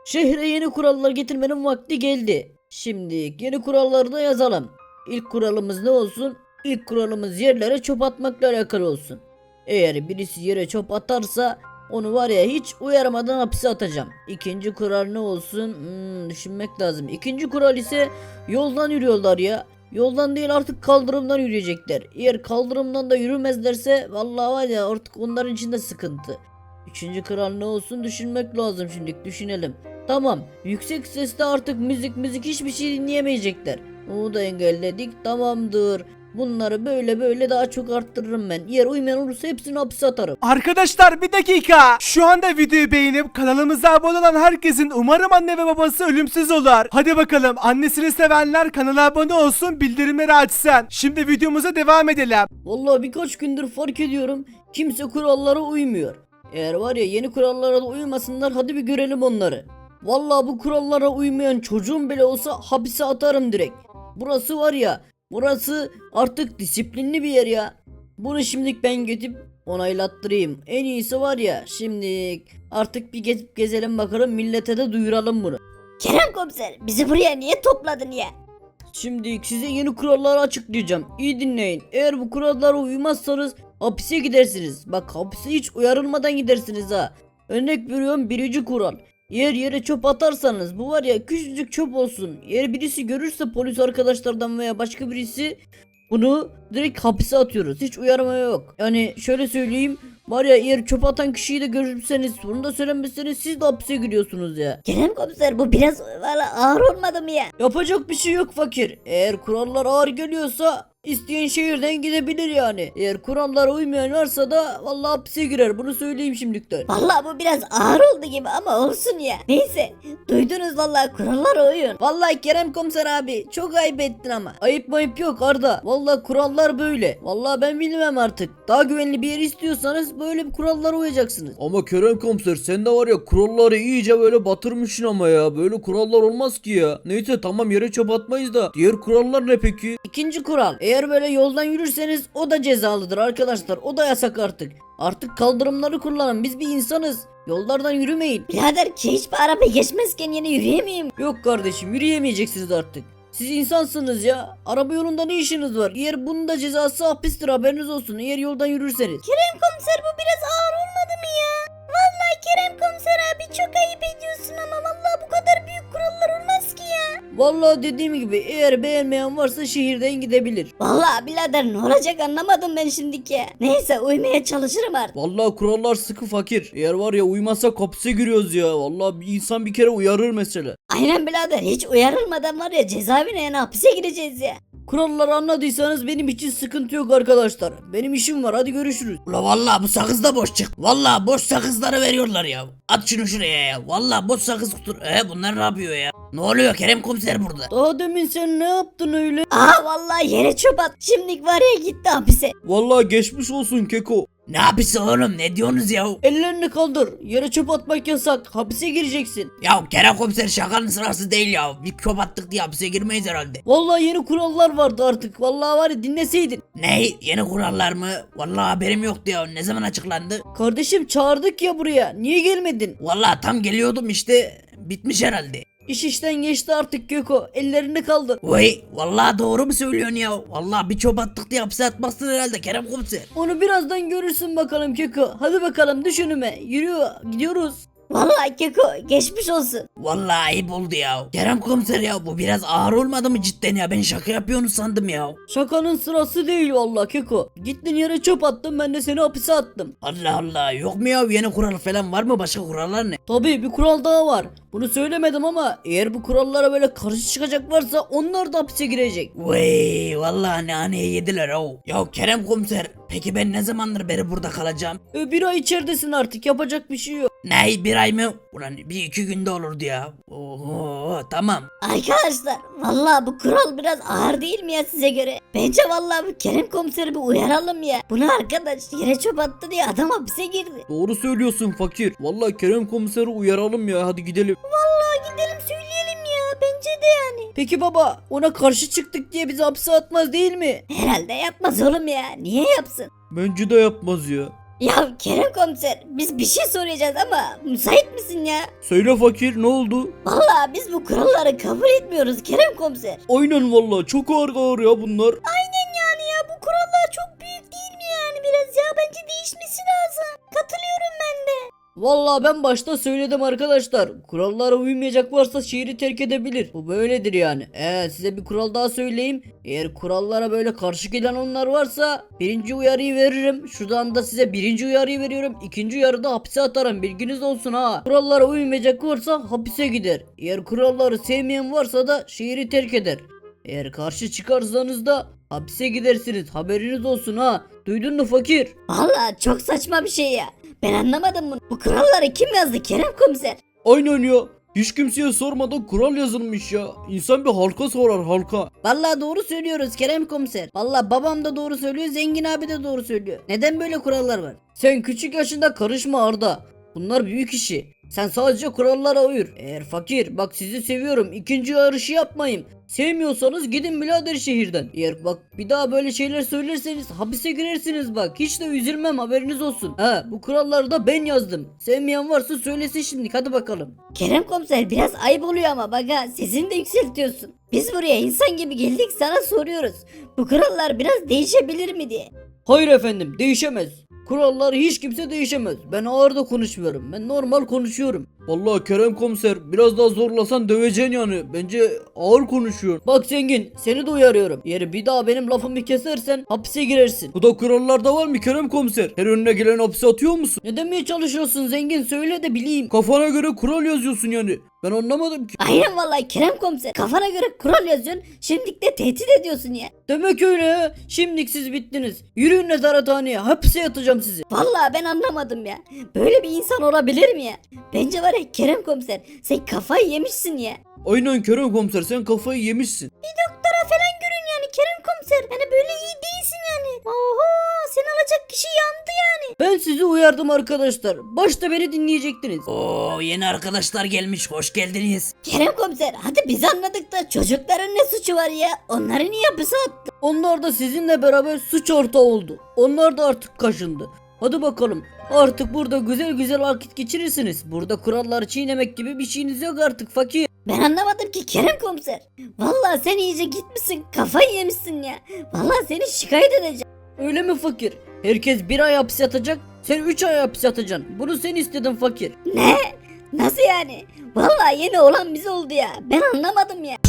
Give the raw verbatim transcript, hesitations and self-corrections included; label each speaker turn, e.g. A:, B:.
A: Şehre yeni kurallar getirmenin vakti geldi. Şimdi yeni kuralları da yazalım. İlk kuralımız ne olsun? İlk kuralımız yerlere çöp atmakla alakalı olsun. Eğer birisi yere çöp atarsa onu var ya hiç uyarmadan hapse atacağım. İkinci kural ne olsun? Hmm, düşünmek lazım. İkinci kural ise yoldan yürüyorlar ya. Yoldan değil artık kaldırımdan yürüyecekler. Eğer kaldırımdan da yürümezlerse vallahi var ya artık onların için de sıkıntı. Üçüncü kural ne olsun düşünmek lazım, şimdi düşünelim. Tamam, yüksek sesle artık müzik müzik hiçbir şey dinleyemeyecekler. Onu da engelledik, tamamdır. Bunları böyle böyle daha çok arttırırım ben. Eğer uymayan olursa hepsini hapse atarım.
B: Arkadaşlar bir dakika. Şu anda videoyu beğenip kanalımıza abone olan herkesin umarım anne ve babası ölümsüz olur. Hadi bakalım, annesini sevenler kanala abone olsun, bildirimleri açsın. Şimdi videomuza devam edelim.
A: Vallahi birkaç gündür fark ediyorum kimse kurallara uymuyor. Eğer var ya yeni kurallara da uymasınlar, hadi bir görelim onları. Vallahi bu kurallara uymayan çocuğum bile olsa hapise atarım direkt. Burası var ya, burası artık disiplinli bir yer ya. Bunu şimdilik ben gidip onaylattırayım. En iyisi var ya, şimdi artık bir gezip gezelim bakalım, millete de duyuralım bunu.
C: Kerem komiser, bizi buraya niye topladın ya?
A: Şimdi size yeni kuralları açıklayacağım. İyi dinleyin. Eğer bu kurallara uymazsanız hapise gidersiniz. Bak, hapise hiç uyarılmadan gidersiniz ha. Örnek veriyorum, birinci kural. Yer yere çöp atarsanız, bu var ya küçücük çöp olsun, eğer birisi görürse polis arkadaşlardan veya başka birisi, bunu direkt hapise atıyoruz. Hiç uyarma yok. Yani şöyle söyleyeyim, var ya eğer çöp atan kişiyi de görürseniz, bunu da söylemezseniz siz de hapise giriyorsunuz ya.
C: Kerem komiser, bu biraz valla ağır olmadı mı ya?
A: Yapacak bir şey yok fakir. Eğer kurallar ağır geliyorsa isteyen şehirden gidebilir yani. Eğer kurallara uymayan varsa da vallahi hapse girer. Bunu söyleyeyim şimdilikten.
C: Valla bu biraz ağır oldu gibi ama olsun ya. Neyse, duydunuz valla, kurallara uyun.
A: Vallahi Kerem komiser abi çok ayıp ettin ama. Ayıp mayıp yok Arda. Vallahi kurallar böyle. Vallahi ben bilmem artık. Daha güvenli bir yer istiyorsanız böyle bir kurallara uyacaksınız.
D: Ama Kerem komiser sen de var ya kuralları iyice böyle batırmışsın ama ya. Böyle kurallar olmaz ki ya. Neyse tamam, yere çöp atmayız da. Diğer kurallar ne peki?
A: İkinci kural. Eğer böyle yoldan yürürseniz o da cezalıdır arkadaşlar. O da yasak artık. Artık kaldırımları kullanın. Biz bir insanız. Yollardan yürümeyin.
C: Birader ki hiçbir araba geçmezken yine yürüyemeyeyim.
A: Yok kardeşim, yürüyemeyeceksiniz artık. Siz insansınız ya. Araba yolunda ne işiniz var? Eğer bunun da cezası hapistir, haberiniz olsun. Eğer yoldan yürürseniz.
C: Kerem komiser, bu biraz ağır olmadı mı ya? Vallahi Kerem komiser abi çok ayıp ediyorsun ama vallahi bu kadar büyük kurallar olmaz ki ya.
A: Vallahi dediğim gibi eğer beğenmeyen varsa şehirden gidebilir.
C: Vallahi birader ne olacak anlamadım ben şimdiki ya. Neyse, uymaya çalışırım artık.
D: Vallahi kurallar sıkı fakir. Eğer var ya uymazsak hapse giriyoruz ya. Vallahi bir insan bir kere uyarır mesela.
C: Aynen birader, hiç uyarılmadan var ya cezaevine, yani hapise gireceğiz ya.
A: Kuralları anladıysanız benim için sıkıntı yok arkadaşlar. Benim işim var, hadi görüşürüz.
E: Ula vallahi bu sakız da boş çık. Vallahi boş sakızları veriyorlar ya. At şunu şuraya ya. Vallahi boş sakız kutur. E bunlar ne yapıyor ya? Ne oluyor Kerem komiser burada?
A: Daha demin sen ne yaptın öyle?
C: Aa vallahi yere çöp at. Şimdilik var ya gitti hapise.
D: Vallahi geçmiş olsun Keko.
E: Ne yapıyorsun oğlum, ne diyorsunuz ya?
A: Ellerini kaldır. Yere çöp atmak yasak. Hapise gireceksin.
E: Ya Kerem komiser şakanın sırası değil ya. Bir çöp attık diye hapise girmeyiz herhalde.
A: Vallahi yeni kurallar vardı artık. Vallahi var ya, dinleseydin.
E: Ne? Yeni kurallar mı? Vallahi haberim yoktu ya. Ne zaman açıklandı?
A: Kardeşim çağırdık ya buraya. Niye gelmedin?
E: Vallahi tam geliyordum işte. Bitmiş herhalde.
A: İş işten geçti artık Göko. Ellerini kaldır.
E: Vay vallahi doğru mu söylüyorsun ya? Vallahi bir çöp attık diye hapse atmazsın herhalde Kerem komiser.
A: Onu birazdan görürsün bakalım Göko. Hadi bakalım düş önüme. Yürü, gidiyoruz.
C: Vallahi Keko geçmiş olsun.
E: Vallahi ayıp oldu ya. Kerem komiser ya, bu biraz ağır olmadı mı cidden ya? Ben şaka yapıyorsunuz sandım ya.
A: Şakanın sırası değil vallahi Keko. Gittin yere çöp attın, ben de seni hapise attım.
E: Allah Allah, yok mu ya yeni kural falan, var mı, başka kurallar ne?
A: Tabii bir kural daha var. Bunu söylemedim ama eğer bu kurallara böyle karşı çıkacak varsa onlar da hapise girecek.
E: Vay vallahi naneye yediler o. Ya Kerem komiser, peki ben ne zamandır beri burada kalacağım?
A: E, bir ay içeridesin artık, yapacak bir şey yok.
E: Ne, bir ay mı? Ulan bir iki günde olurdu ya. Oho tamam.
C: Arkadaşlar vallahi bu kural biraz ağır değil mi ya size göre? Bence vallahi bu Kerem komiseri bir uyaralım ya. Bunu arkadaş yere çöp attı diye adam hapise girdi.
D: Doğru söylüyorsun fakir. Vallahi Kerem komiseri uyaralım ya, hadi gidelim.
C: Vallahi gidelim söyleyelim ya, bence de yani.
A: Peki baba, ona karşı çıktık diye bizi hapse atmaz değil mi?
C: Herhalde yapmaz oğlum ya. Niye yapsın?
D: Bence de yapmaz ya.
C: Ya Kerem komiser biz bir şey soracağız ama müsait misin ya?
D: Söyle fakir, ne oldu?
C: Vallahi biz bu kuralları kabul etmiyoruz Kerem komiser.
D: Aynen valla, çok ağır ağır ya bunlar.
C: Aynen yani ya bu kurallar çok büyük değil mi yani biraz ya bence değişmesi lazım. Katılıyorum ben de.
A: Vallahi ben başta söyledim arkadaşlar. Kurallara uymayacak varsa şehri terk edebilir. Bu böyledir yani. Ee, size bir kural daha söyleyeyim. Eğer kurallara böyle karşı gelen onlar varsa birinci uyarıyı veririm. Şuradan da size birinci uyarıyı veriyorum. İkinci uyarıda hapse atarım. Bilginiz olsun ha. Kurallara uymayacak varsa hapise gider. Eğer kuralları sevmeyen varsa da şehri terk eder. Eğer karşı çıkarsanız da hapise gidersiniz. Haberiniz olsun ha. Duydun mu fakir?
C: Vallahi çok saçma bir şey ya. Ben anlamadım bunu. Bu kuralları kim yazdı Kerem komiser?
D: Aynen ya. Hiç kimseye sormadan kural yazılmış ya. İnsan bir halka sorar, halka.
A: Vallahi doğru söylüyoruz Kerem komiser. Vallahi babam da doğru söylüyor, Zengin abi de doğru söylüyor. Neden böyle kurallar var? Sen küçük yaşında karışma Arda. Bunlar büyük işi. Sen sadece kurallara uyur. Eğer fakir, bak sizi seviyorum, ikinci yarışı yapmayın. Sevmiyorsanız gidin birader şehirden. Eğer bak bir daha böyle şeyler söylerseniz hapise girersiniz bak. Hiç de üzülmem, haberiniz olsun. Ha, bu kuralları da ben yazdım. Sevmeyen varsa söylesin şimdi, hadi bakalım.
C: Kerem komiser biraz ayıp oluyor ama bak ha sesini de yükseltiyorsun. Biz buraya insan gibi geldik sana soruyoruz. Bu kurallar biraz değişebilir mi diye.
A: Hayır efendim, değişemez. Kuralları hiç kimse değişemez. Ben ağır da konuşmuyorum. Ben normal konuşuyorum.
D: Vallahi Kerem komiser, biraz daha zorlasan döveceksin yani. Bence ağır konuşuyor.
A: Bak Zengin, seni de uyarıyorum. Eğer bir daha benim lafımı kesersen hapise girersin.
D: Bu da kurallarda var mı Kerem komiser? Her önüne gelen hapse atıyor musun?
A: Ne demeye çalışıyorsun Zengin, söyle de bileyim.
D: Kafana göre kural yazıyorsun yani. Ben anlamadım ki.
C: Aynen vallahi Kerem komiser. Kafana göre kural yazıyorsun. Şimdilik de tehdit ediyorsun ya.
A: Demek öyle ha. Şimdilik siz bittiniz. Yürüyün nezarethaneye, hapse yatacağım sizi.
C: Vallahi ben anlamadım ya. Böyle bir insan olabilir mi ya? Bence var ya Kerem komiser sen kafayı yemişsin ya.
D: Aynen Kerem komiser, sen kafayı yemişsin.
C: Doktora falan görün yani Kerem komiser. Hani böyle iyi değilsin yani. Oho seni alacak kişi yandı yani.
A: Ben sizi uyardım arkadaşlar. Başta beni dinleyecektiniz.
E: Oo yeni arkadaşlar gelmiş, hoş geldiniz.
C: Kerem komiser hadi biz anladık da çocukların ne suçu var ya? Onları niye hapise attı?
A: Onlar da sizinle beraber suç ortağı oldu. Onlar da artık kaşındı. Hadi bakalım. Artık burada güzel güzel vakit geçirirsiniz. Burada kuralları çiğnemek gibi bir şeyiniz yok artık fakir.
C: Ben anlamadım ki Kerem komiser. Vallahi sen iyice gitmişsin kafayı yemişsin ya. Vallahi seni şikayet edeceğim.
A: Öyle mi fakir? Herkes bir ay hapis yatacak. Sen üç ay hapis yatacaksın. Bunu sen istedin fakir.
C: Ne? Nasıl yani? Vallahi yeni olan bize oldu ya. Ben anlamadım ya.